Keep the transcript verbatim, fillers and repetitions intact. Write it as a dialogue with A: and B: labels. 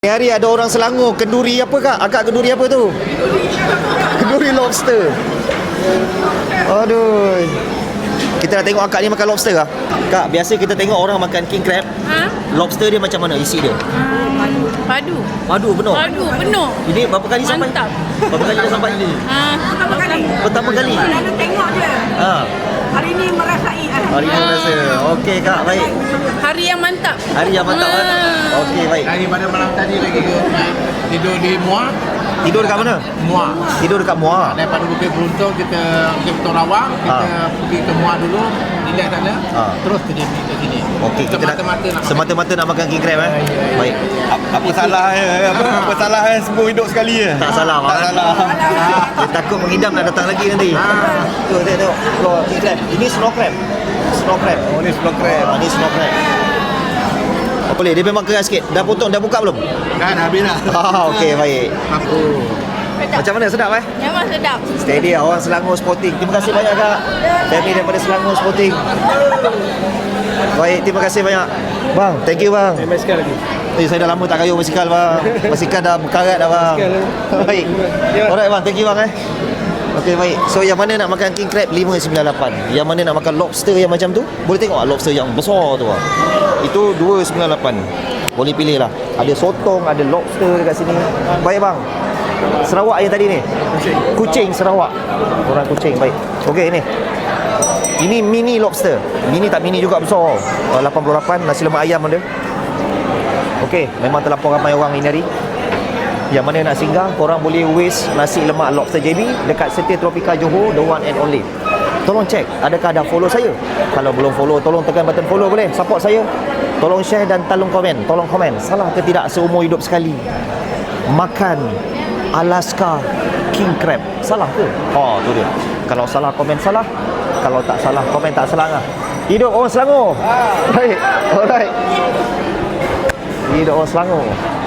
A: Hari ada orang Selangor, kenduri apa kak? Akak kenduri apa tu? Kenduri lobster. Aduh. Kita nak tengok akak ni makan lobster kah? Kak, biasa kita tengok orang makan king crab.
B: Ha?
A: Lobster dia macam mana isi dia?
B: Ah, padu. Padu.
A: Madu penuh.
B: Padu penuh.
A: Ini berapa kali sampai?
B: Mantap.
A: Berapa kali dah sampai ini?
B: Ah, pertama kali.
A: Pertama kali.
C: Lalu tengok je.
A: Ha.
C: Hari ni merasai.
A: Hari ni rasa. Okey kak, baik.
B: Hari yang mantap.
A: Hari yang mantap kan?
B: Ah.
A: Okey, baik.
D: Daripada malam tadi lagi ke tidur di Muar,
A: Tidur dekat mana?
D: Muar.
A: Tidur dekat Muar.
D: Daripada Bukit Beruntung kita Bukit Beruntung Rawang, kita
A: Ha.
D: pergi ke Muar dulu, relax sana,
A: Ha.
D: terus kerja ke sini.
A: Okey, kita nak
D: semata-mata nak makan.
A: semata-mata nak makan king crab eh. Baik.
E: Apa salah apa, apa salah eh semua hidup sekali je.
A: Tak salah,
E: Tak
A: kan?
E: salah.
A: Dia takut mengidam nak datang lagi nanti. Tu tengok tengok. Keluar king crab. Ini snow crab. Snow crab.
E: Oh ni snow crab.
A: Ah, ini snow crab. Oh, boleh, dia memang keras sikit. Dah potong, dah buka belum?
E: Kan habis dah.
A: Ah, okey, baik.
D: Aku
A: Macam mana, sedap eh?
B: Memang sedap.
A: Steady lah, orang Selangor Sporting. Terima kasih banyak kak. Family daripada Selangor Sporting. Baik, terima kasih banyak. Bang, thank you bang.
E: Basikal lagi.
A: Eh, saya dah lama tak kayuh basikal bang. Basikal dah berkarat dah bang. Baik. Alright bang, thank you bang eh. Okey baik. So yang mana nak makan king crab lima sembilan lapan. Yang mana nak makan lobster yang macam tu? Boleh tengok ah, lobster yang besar tu ah. Itu dua sembilan lapan. Boleh pilih lah. Ada sotong, ada lobster dekat sini. Baik bang. Sarawak yang tadi ni. Kuching Sarawak. Orang Kuching, baik. Okey ni. Ini mini lobster. Mini tak mini juga, besar. Uh, lapan puluh lapan, nasi lemak ayam ada. Okey, memang terlampau ramai orang ini hari. Yang mana nak singgah, korang boleh waste nasi lemak lobster J B dekat Setia Tropika Johor, the one and only. Tolong check, adakah dah follow saya? Kalau belum follow, tolong tekan button follow boleh? Support saya. Tolong share dan tolong komen. Tolong komen, salah ke tidak seumur hidup sekali makan Alaska king crab? Salah ke? Oh, tu dia. Kalau salah, komen salah. Kalau tak salah, komen tak salah lah. Hidup orang Selangor. Baik. Alright. Hidup orang Selangor.